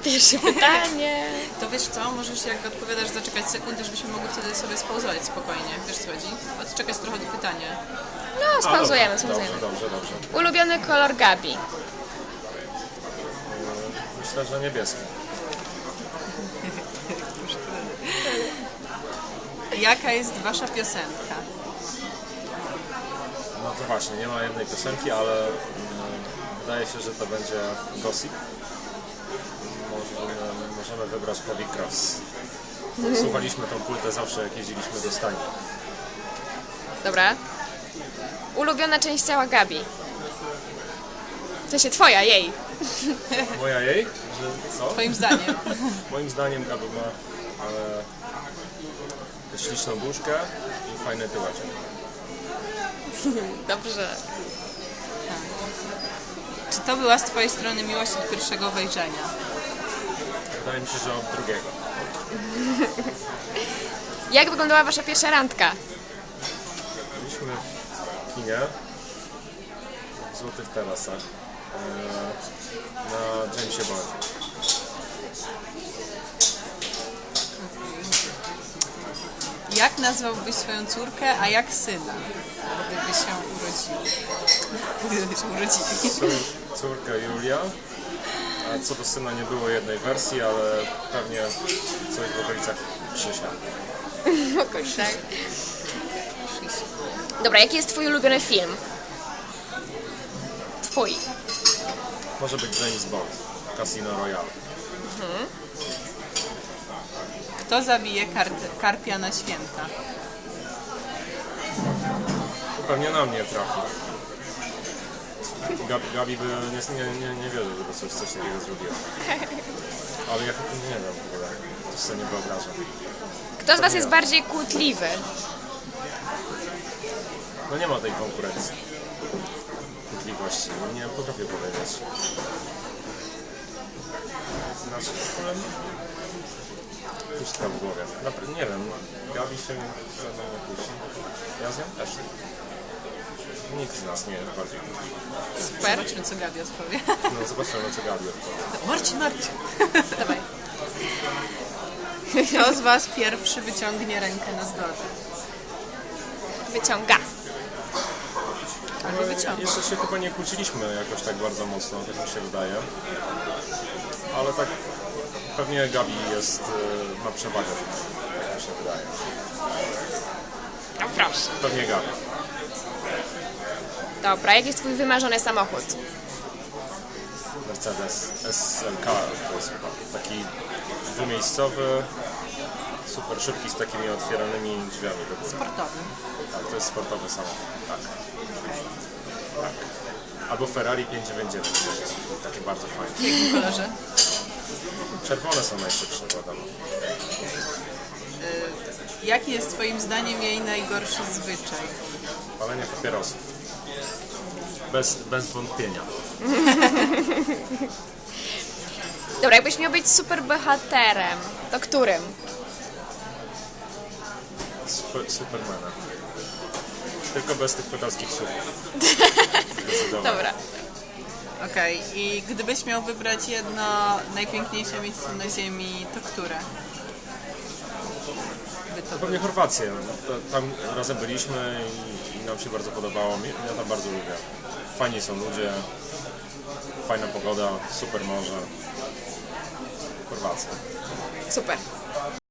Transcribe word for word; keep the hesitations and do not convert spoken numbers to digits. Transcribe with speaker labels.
Speaker 1: Pierwsze pytanie.
Speaker 2: To wiesz co, możesz jak odpowiadasz zaczekać sekundę, żebyśmy mogli wtedy sobie spauzować spokojnie. Wiesz co chodzi? Odczekać trochę do pytania.
Speaker 1: No, spauzujemy,
Speaker 3: dobrze,
Speaker 1: spauzujemy.
Speaker 3: dobrze, dobrze.
Speaker 1: Ulubiony kolor Gabi.
Speaker 3: Myślę, że niebieski.
Speaker 2: Jaka jest wasza piosenka?
Speaker 3: No to właśnie, nie ma jednej piosenki, ale mm, wydaje się, że to będzie Gossip. Możemy, możemy wybrać Heavy Cross. Słuchaliśmy tą płytę zawsze, jak jeździliśmy do Stani.
Speaker 1: Dobra. Ulubiona część ciała Gabi. W sensie twoja, jej.
Speaker 3: Moja jej? Że co?
Speaker 2: Twoim zdaniem.
Speaker 3: Moim zdaniem Gabi ma e, śliczną buźkę i fajne tyłeczek.
Speaker 1: Dobrze.
Speaker 2: Czy to była z twojej strony miłość od pierwszego wejrzenia?
Speaker 3: Wydaje mi się, że od drugiego.
Speaker 1: Jak wyglądała wasza pierwsza randka?
Speaker 3: Byliśmy w kinie w Złotych Tarasach e, na Jamesie Bondzie.
Speaker 2: Jak nazwałbyś swoją córkę, a jak syna? Gdyby się urodzili. Gdyby się urodzili.
Speaker 3: Cór, córka Julia, a co do syna nie było jednej wersji, ale pewnie coś w okolicach Krzysia.
Speaker 1: Jakoś tak. Dobra, jaki jest twój ulubiony film? Twój.
Speaker 3: Może być James Bond, Casino Royale.
Speaker 2: Kto zabije kar- karpia na święta?
Speaker 3: Pewnie na mnie trafi. Gabi, Gabi by nie, nie, nie, nie wierzy, żeby coś, coś takiego zrobiła. Ale ja nie wiem w ogóle, to sobie nie wyobrażam.
Speaker 1: Kto z was jest bardziej kłótliwy?
Speaker 3: No nie ma tej konkurencji. Kłótliwości. Nie potrafię powiedzieć. Znaczy, ale pustka w głowie. Napra- nie wiem, Gabi się ze mną nie kusi. Ja z nią też nie. Nikt z nas nie jest bardziej kłótliwy.
Speaker 1: Super.
Speaker 2: Zobaczmy, co Gabi odpowie.
Speaker 3: No zobaczymy, co Gabi odpowie.
Speaker 2: Marcin, Marcin.
Speaker 1: Dawaj.
Speaker 2: Kto z was pierwszy wyciągnie rękę na zgodę?
Speaker 1: Wyciąga.
Speaker 2: Albo wyciąga.
Speaker 3: Jeszcze się chyba nie kłóciliśmy jakoś tak bardzo mocno, tak mi się wydaje. Ale tak pewnie Gabi jest, y, ma przewagę, jak mi się wydaje.
Speaker 1: No proszę.
Speaker 3: Pewnie Gabi.
Speaker 1: Dobra, jaki jest twój wymarzony samochód?
Speaker 3: Mercedes S L K to jest chyba taki dwumiejscowy, super szybki z takimi otwieranymi drzwiami do góry.
Speaker 2: Sportowy.
Speaker 3: Tak, to jest sportowy samochód, tak. tak. Albo Ferrari pięćset dziewięćdziesiąt dziewięć, takie bardzo fajne.
Speaker 2: W jakim kolorze?
Speaker 3: Czerwone są najszybsze, wiadomo.
Speaker 2: Jaki jest twoim zdaniem jej najgorszy zwyczaj?
Speaker 3: Palenie papierosów. Bez, bez wątpienia.
Speaker 1: Dobra, jakbyś miał być super bohaterem, to którym?
Speaker 3: Super, Supermana. Tylko bez tych pedalskich słów.
Speaker 1: Dobra.
Speaker 2: Okej, i gdybyś miał wybrać jedno najpiękniejsze miejsce na ziemi, to które? By to
Speaker 3: Pewnie Chorwację. Tam razem byliśmy i, i nam się bardzo podobało. Ja tam bardzo lubię. Fajni są ludzie, fajna pogoda, super morze. Chorwacja.
Speaker 1: Super.